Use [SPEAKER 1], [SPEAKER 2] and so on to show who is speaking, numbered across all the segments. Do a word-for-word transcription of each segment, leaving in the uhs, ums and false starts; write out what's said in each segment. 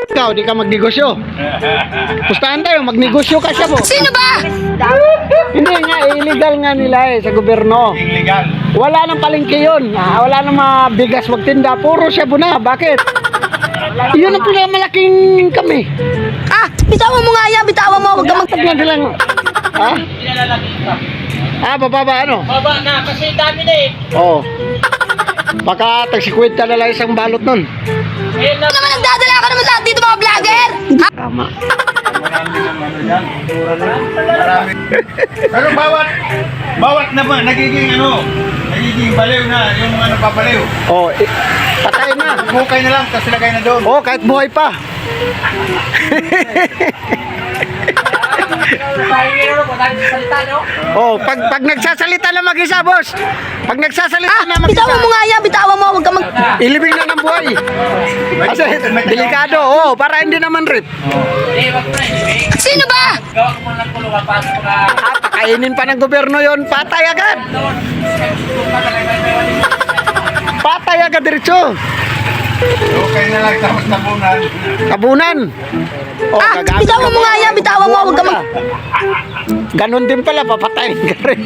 [SPEAKER 1] Ikaw, di ka magnegosyo. Pustahan tayo, magnegosyo ka siya po.
[SPEAKER 2] Sino ba?
[SPEAKER 1] Hindi nga, illegal nga nila eh, sa gobyerno.
[SPEAKER 3] Illegal.
[SPEAKER 1] Wala nang palengke yun. Ah, wala nang mga bigas magtinda. Puro siya na. Bakit? Yun ang pinakamalaking kami.
[SPEAKER 2] Ah, bitawan mo nga yan, bitawan mo. Huwag ka mag...
[SPEAKER 1] Pag nga silang... Ha? Ah, bababa ano?
[SPEAKER 3] Baba na, kasi dami na eh.
[SPEAKER 1] Oo. Baka tagsikwenta na lang isang balot nun.
[SPEAKER 3] Ngayon na.
[SPEAKER 2] Ano naman nagdadala ka naman lahat dito mga vlogger? Ha?
[SPEAKER 1] Tama.
[SPEAKER 3] Marami naman yan. Marami. Pero bawat, bawat naman, nagiging ano, nagiging baliw na, yung ano papaliw.
[SPEAKER 1] Oo, eh, patay na.
[SPEAKER 3] Bukay na lang, tapos lagay na doon.
[SPEAKER 1] Oo, kahit buhay pa. Oh, pag pag nagsasalita na mag-isa, boss. Pag nagsasalita
[SPEAKER 2] Ah,
[SPEAKER 1] na mag-isa,
[SPEAKER 2] bitawan mo nga yan, bitawan mo. Huwag ka mag...
[SPEAKER 1] ilibing na ng buhay. Kasi delikado, oh, para hindi naman rip.
[SPEAKER 2] Sino ba?
[SPEAKER 1] Ah, pakainin pa ng gobyerno yon, patay agad. Patay agad diretso.
[SPEAKER 3] Bukay na lang, tapos tabunan.
[SPEAKER 1] Tabunan. Oh,
[SPEAKER 2] Ah,
[SPEAKER 1] gagamit
[SPEAKER 2] bitawan
[SPEAKER 1] ka
[SPEAKER 2] mo
[SPEAKER 1] pa.
[SPEAKER 2] nga yan, bitawan mo. Huwag ka mag...
[SPEAKER 1] Ganon din pala, papatayin ka rin.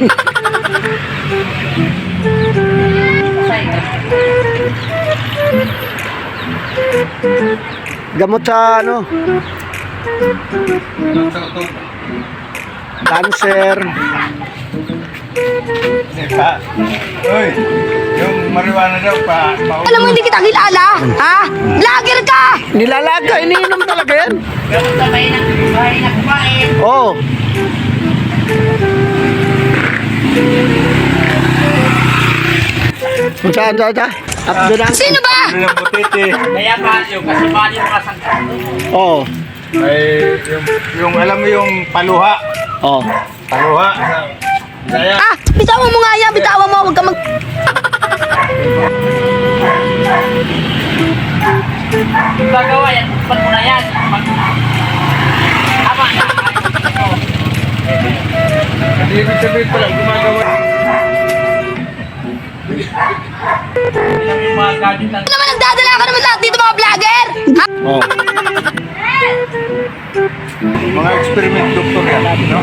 [SPEAKER 1] Gamot sa ano,
[SPEAKER 3] Sa utog.
[SPEAKER 1] cancer.
[SPEAKER 3] Diba? Uy, yung marijuana daw pa, pa
[SPEAKER 2] Alam mo, hindi kita kilala. Ha? Vlogger ka!
[SPEAKER 1] Nilalaga, iniinom talaga yan. Oo. Kung saan, saan, saan? Up doon ang...
[SPEAKER 2] Sino ba?
[SPEAKER 3] Ano ng butete.
[SPEAKER 4] Kaya ba yung kasi mali mo kasangka.
[SPEAKER 1] Oo.
[SPEAKER 3] May, yung, yung, alam mo yung paluha.
[SPEAKER 1] Oo.
[SPEAKER 3] Paluha. Sa, saya.
[SPEAKER 2] Ah, bitawan mo nga yan, bitawan mo. Huwag ka mag...
[SPEAKER 4] Gagawa yan, ba't mo na yan? Mag... Tama na.
[SPEAKER 3] Hindi ibig sabihin pala, gumagawa.
[SPEAKER 4] Ilang yung mga gadget ng...
[SPEAKER 2] Ano naman nagdadala ka naman lahat dito mga vlogger? Ha?
[SPEAKER 1] Oo.
[SPEAKER 3] Mga experiment doktor yan. No?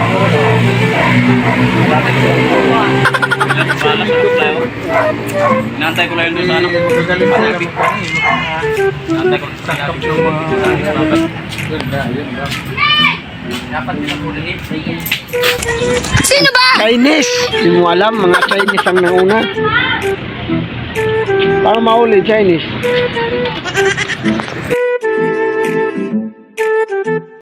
[SPEAKER 4] Nantay ko lang yun doon sa ano.
[SPEAKER 3] Magagaling sila mag-
[SPEAKER 4] Nantay ko
[SPEAKER 3] Takap ng mga... Yun na, yun na.
[SPEAKER 4] dapat pinapulihin.
[SPEAKER 2] Sino ba?
[SPEAKER 1] Chinese. Hindi mo alam, mga Chinese ang nauna. Para mahuli, Chinese.